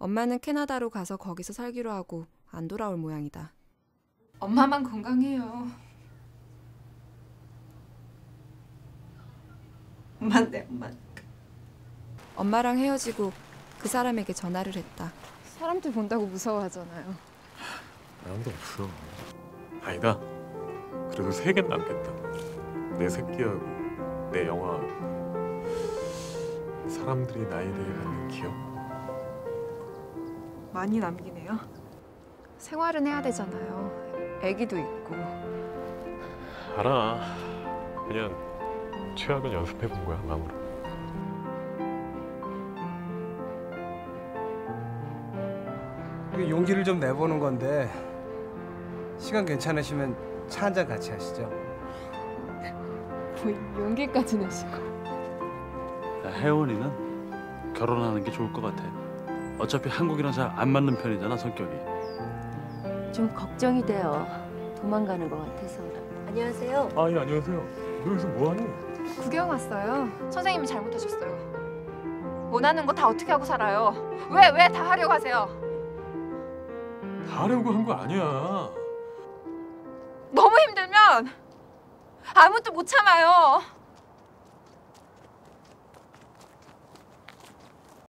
엄마는 캐나다로 가서 거기서 살기로 하고 안 돌아올 모양이다. 엄마만 건강해요. 엄마인데 엄마. 엄마랑 헤어지고 그 사람에게 전화를 했다. 사람들 본다고 무서워하잖아요. 아무도 없어. 아니다. 그래도 3개는 남겠다. 내 새끼하고 내 영화하고 사람들이 나에 대해 갖는 기억. 많이 남기네요. 생활은 해야 되잖아요. 애기도 있고. 알아. 그냥 최악은 연습해본 거야, 마음으로. 용기를 좀 내보는 건데 시간 괜찮으시면 차 한잔 같이 하시죠. 뭐 용기까지 내시고. 혜원이는 결혼하는 게 좋을 것 같아. 어차피 한국이랑 잘 안 맞는 편이잖아, 성격이. 좀 걱정이 돼요. 도망가는 것 같아서. 안녕하세요. 아, 예, 안녕하세요. 너 여기서 뭐하니? 구경 왔어요. 선생님이 잘못하셨어요. 원하는 거 다 어떻게 하고 살아요? 왜 다 하려고 하세요? 다 하려고 한 거 아니야. 너무 힘들면 아무도 못 참아요.